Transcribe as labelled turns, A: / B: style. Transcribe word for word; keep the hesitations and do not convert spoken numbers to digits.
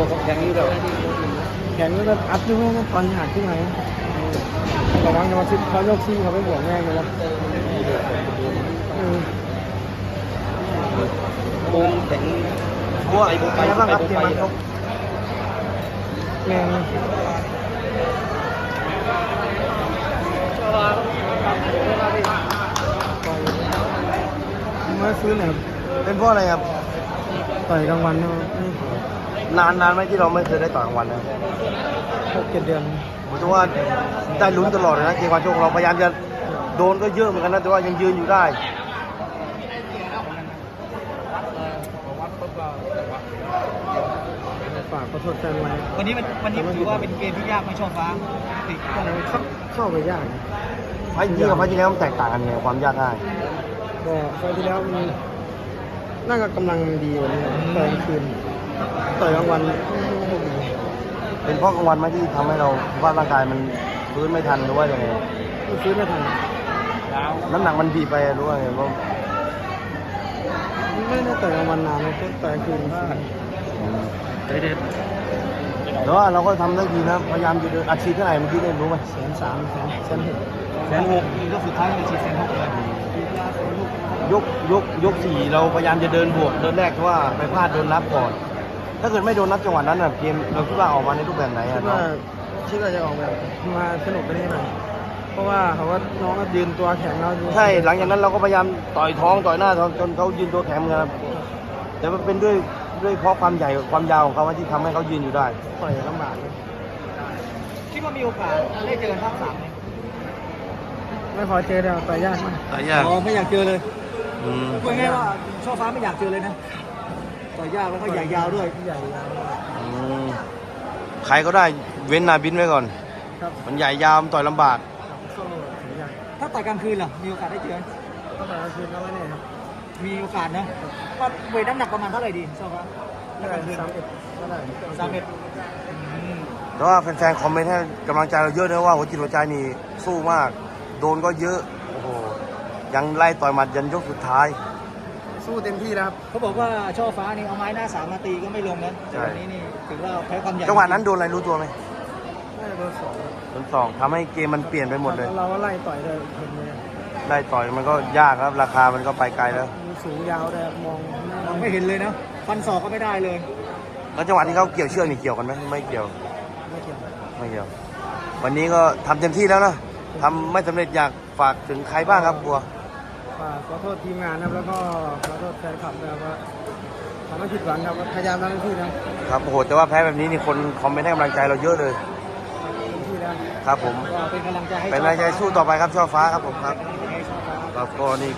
A: แข็งนี่แบบแข็งนี่แบบอัดด้วยแม่ตอนหักขึ้นมาระวังจะมาซิดเขาโยกซี่เขาไม่บวกแม่เลยนะ
B: โป่งแข็งเพราะว่าไอ้โป่งไปบ้างครับเกมมันเขา
A: แม่มาซื้อหน่อย
B: เป็นเพราะอะไรครับ
A: ต่อยกลางวัน
B: นานนานไหมที่เราไม่เคยได้ต่อยกลางวันนะ
A: หกเจ็ดเดือน
B: ผมคิดว่าได้ลุ้นตลอดเลยนะเกมวันโชคเราพยายามจะโดนก็เยอะเหมือนกันนะแต่ว่ายังยืนอยู่ได้
A: ฝากขอโทษแฟนไว้
C: วันนี้วันนี้ถือว่าเป็นเกมที่ยากไหมช่อฟ้าติด
A: เข้าเข้าไปยาก
B: ไฟที่กับไฟที่แล้วมันแตกต่างกันไงความยากง่าย
A: ก็ไฟที่แล้วมันน่าจะกำลังดีกว่านี้ต่อยกลางคืนต่อยกลางวัน
B: เป็นเพราะกลางวันไหมที่ทำให้เราว่าร่างกายมันฟื้นไม่ทันหรือว่ายังไง
A: ฟื้นไม่ทัน
B: น้ำหนักมันบีบไปหรือว่าไงก็
A: ไม่ได้ต่อยกลางวันนานเลยต่อยกลางคืน
B: เด็ดแต่ว่าเราก็ทำได้ดีนะพยายามจะเดินอาชีพเท่าไหร่เมื่อกี้ได้รู้ไหม
A: แสนสามแสนแสนหก
C: แสนหกยกสุดท้ายเป็นชีแสนหกเลย
B: ยกยกยกสี่เราพยายามจะเดินบวกเดินแรกเพราะว่าไปพลาดโดนนับก่อนถ้าเกิดไม่โดนนับจังหวะนั้นนะเกมเราคิดว่าออกมาในรูปแบบไหนอ่ะ
A: คิดว่าคิดว่าจะออกแบบมาสนุกกันได้ไหมเพราะว่าเขาว่าน้องก็ยืนตัวแข็งแล้ว
B: ใช่หลังจากนั้นเราก็พยายามต่อยท้องต่อยหน้าจนเขายืนตัวแข็งครับแต่มันเป็นด้วยด้วยเพราะความใหญ่ความยาวของเขาที่ทำให้เขายืนอยู่ได้
A: ต่อยลำบาก
C: คิดว่ามีโอกาสได้เจอภาคสามไหม
A: ไม่พอเจอแล้วต่อยยากมาก
B: ต่อยยาก
C: อ๋อไม่อยากเจอเลย
B: พู
C: ดง่ายว่าช่อฟ้าไม่อยากเจอเลยนะต่อยยากแล้วก็ใหญ่ยาวด้วย
A: ใหญ่ยาว
B: ใครก็ได้เว้นนาบินไว้ก่อนมันใหญ่ยาวต่อยลำบาก
C: ถ้าต่อยกลางคืนล่ะมีโอกาสได้เจอ
A: ถ้าต่อยกลางคืนก็ไม่แน่ครับ
C: มีโอกาสนะว่าเวทน้ำหนักประมาณเท่าไหร่ดีช่อฟ้า
A: สามเอ็ดก็ได้
C: สามเอ็ด
B: แต่ว่าแฟนๆคอมเมนต์ให้กำลังใจเราเยอะนะว่าหัวจิตหัวใจนี่สู้มากโดนก็เยอะโอ้โหยังไล่ต่อยหมัดยันยกสุดท้าย
A: สู้เต็มที่แล้วครับ
C: เขาบอกว่าช่อฟ้านี่เอาไม้หน้าสามมาตีก็ไม่ลงนะแต่วันนี้นี่ถือว่าแพ้ความใหญ่
B: จังหวะนั้นโดนอะไรรู้ตัวไหม
A: โดนสอง
B: โดนสองทำให้เกมมันเปลี่ยนไปหมดเลย
A: เราก็ไล่ต่อยเลยเห็นเลย
B: ไล่ต่อยมันก็ยากครับราคามันก็ไปไกลแล้ว
A: สูงยาวแต่มอง
C: มองไม่เห็นเลยนะฟันศอกก็ไม่ได้เลย
B: แล้วจังหวะที่เขาเกี่ยวเชือกนี่เกี่ยวกันไหมไม่เกี่ยว
A: ไม่เกี่ยว
B: ไม่เกี่ยววันนี้ก็ทำเต็มที่แล้วนะทำไม่สำเร็จอยากฝากถึงใครบ้างครับบัว
A: ฝากขอโทษทีมงานครับแล้วก็ขอโทษแฟนคลับนะครับว่าทำให้ผิดหวังครับพยายามทำเต็มที่นะครับ
B: โอ้โหแต่ว่าแพ้แบบนี้นี่คนคอมเมนต์ให้กำลังใจเราเยอะเลยครับผม
C: เป็นกำลังใจให้
B: เป็นกำลังใจสู้ต่อไปครับช่อฟ้าครับผมครับครับก็นี่